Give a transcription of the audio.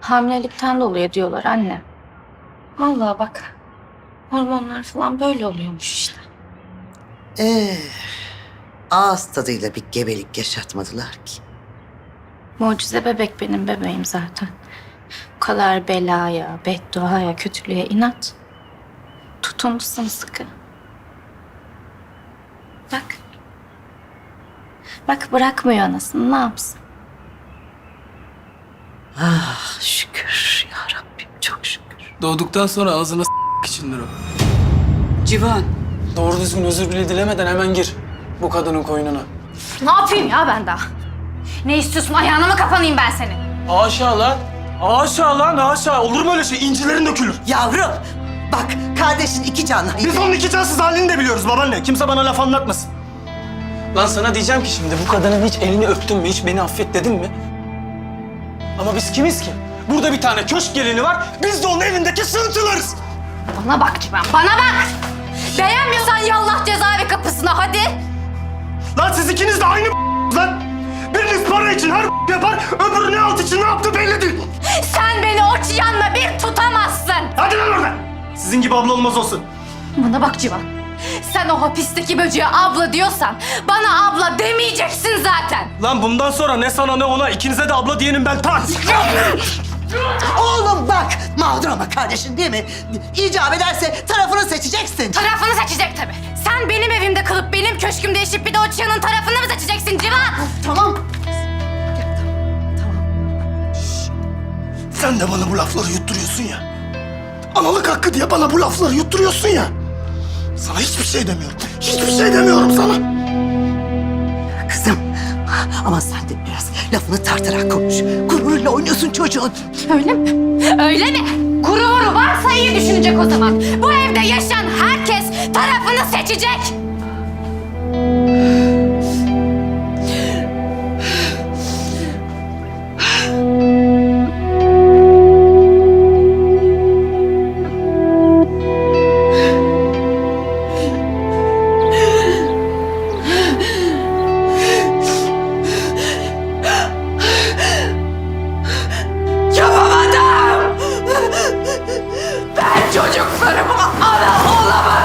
Hamilelikten dolayı diyorlar anne. Vallahi bak. Hormonlar falan böyle oluyormuş işte. Ee, ağız tadıyla bir gebelik yaşatmadılar ki. Mucize bebek benim bebeğim zaten. Bu kadar belaya, bedduaya, kötülüğe inat. Tutundu sımsıkı. Bak. Bak bırakmıyor anasını, ne yapsın? Ah şükür ya Rabbim, çok şükür. Doğduktan sonra ağzına içindir o. Civan, Doğru düzgün özür bile dilemeden hemen gir bu kadının koynuna. Ne yapayım ya ben daha? Ne istiyorsun? Ayağına mı kapanayım ben senin? Haşa lan. Haşa lan haşa. Olur mu öyle şey? İncilerin dökülür. Yavrum, bak kardeşin iki canlı. Biz onun iki cansız halini de biliyoruz babaanne. Kimse bana laf anlatmasın. Lan sana diyeceğim ki şimdi bu kadının hiç elini öptün mü, hiç beni affet dedin mi? Ama biz kimiz ki? Burada bir tane köşk gelini var, biz de onun evindeki sığıntılarız. Bana bak Civan, bana bak! Beğenmiyorsan yallah cezaevi kapısına hadi! Lan siz ikiniz de aynı lan. Biriniz para için her yapar, öbürü ne alt için ne yaptı belli değil. Sen beni o çıyanla bir tutamazsın! Hadi lan oradan. Sizin gibi abla olmaz olsun. Bana bak Civan, sen o hapisteki böceğe abla diyorsan bana abla demeyeceksin zaten! Lan bundan sonra ne sana ne ona ikinize de abla diyenim ben tak. Oğlum bak, mağdur ama kardeşin değil mi? İcap ederse tarafını seçeceksin. Tarafını seçecek tabii. Sen benim evimde kalıp benim köşkümde yaşayıp bir de o çıyanın tarafını mı seçeceksin Civan? Tamam. Sen de bana bu lafları yutturuyorsun ya. Analık hakkı diye bana bu lafları yutturuyorsun ya. Sana hiçbir şey demiyorum. Hiçbir şey demiyorum sana. Kızım, ama sen de biraz lafını tartarak konuş. Gururuyla oynuyorsun çocuğun. Öyle mi? Öyle mi? Gururu varsa iyi düşünecek o zaman. Bu evde yaşayan herkes tarafını seçecek. Yapamadım! Ben çocuklarıma ana olamadım!